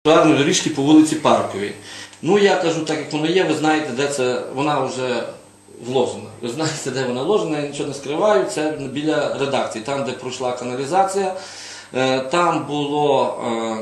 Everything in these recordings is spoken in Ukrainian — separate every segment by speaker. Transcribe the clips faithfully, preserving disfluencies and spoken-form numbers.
Speaker 1: Тротуарної доріжки по вулиці Парковій. Ну, я кажу, так як воно є, ви знаєте, де це, вона вже вложена. Ви знаєте, де вона вложена, я нічого не скриваю, це біля редакції, там, де пройшла каналізація. Там було,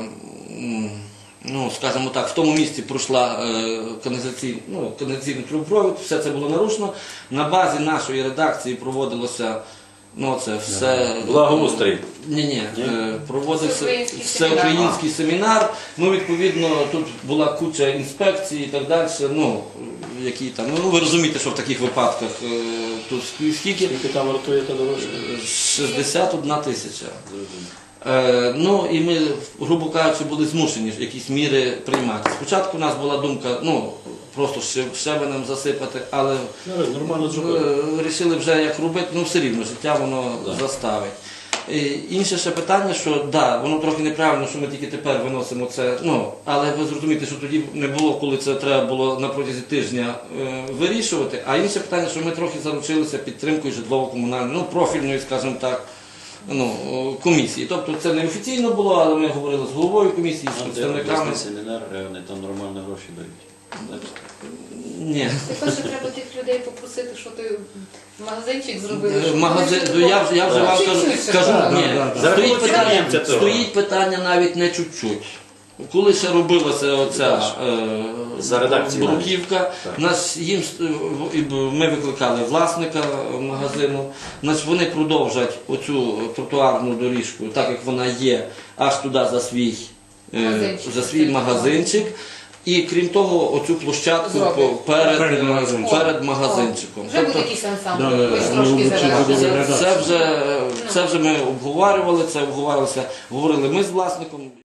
Speaker 1: ну, скажімо так, в тому місці пройшла каналізаційний, ну, каналізаційний трубопровід, все це було нарушено. На базі нашої редакції проводилося, ну, це все...
Speaker 2: Благоустрій.
Speaker 1: Ні-ні, проводився всеукраїнський семінар. Ну, відповідно, тут була куча інспекцій і так далі. Ну, які там, ну, ви розумієте, що в таких випадках тут скільки?
Speaker 2: Скільки там вартує та дорожче?
Speaker 1: шістдесят одна тисяча. Е, ну, і ми, грубо кажучи, були змушені якісь міри приймати. Спочатку у нас була думка, ну, просто щебенем засипати, але вирішили вже як робити, ну все рівно, життя воно да. заставить. І інше ще питання, що да, воно трохи неправильно, що ми тільки тепер виносимо це, ну, але ви зрозумієте, що тоді не було, коли це треба було на протязі тижня е, вирішувати. А інше питання, що ми трохи заручилися підтримкою житлово-комунальної, ну, профільної, скажімо так, ну, комісії. Тобто це не офіційно було, але ми говорили з головою комісії, з представниками.
Speaker 2: Семінар, вони там нормально гроші дають.
Speaker 1: Ні.
Speaker 3: Тепер же треба тих людей попросити, що ти магазинчик зробили.
Speaker 1: Магазин, я, я вже вам кажу, скажу, ні, стоїть питання, стоїть питання навіть не чуть-чуть. Коли ще робилася оця е, бруківка, нас, їм, ми викликали власника магазину, значить, вони продовжать оцю тротуарну доріжку, так як вона є, аж туди за свій, е, за свій магазинчик. І крім того, оцю площадку перед, перед, магазинчиком. перед магазинчиком.
Speaker 3: Вже буде якийсь ансамбль, трошки зараження.
Speaker 1: Це вже, це вже ми обговорювали, це обговорювалося, говорили ми з власником.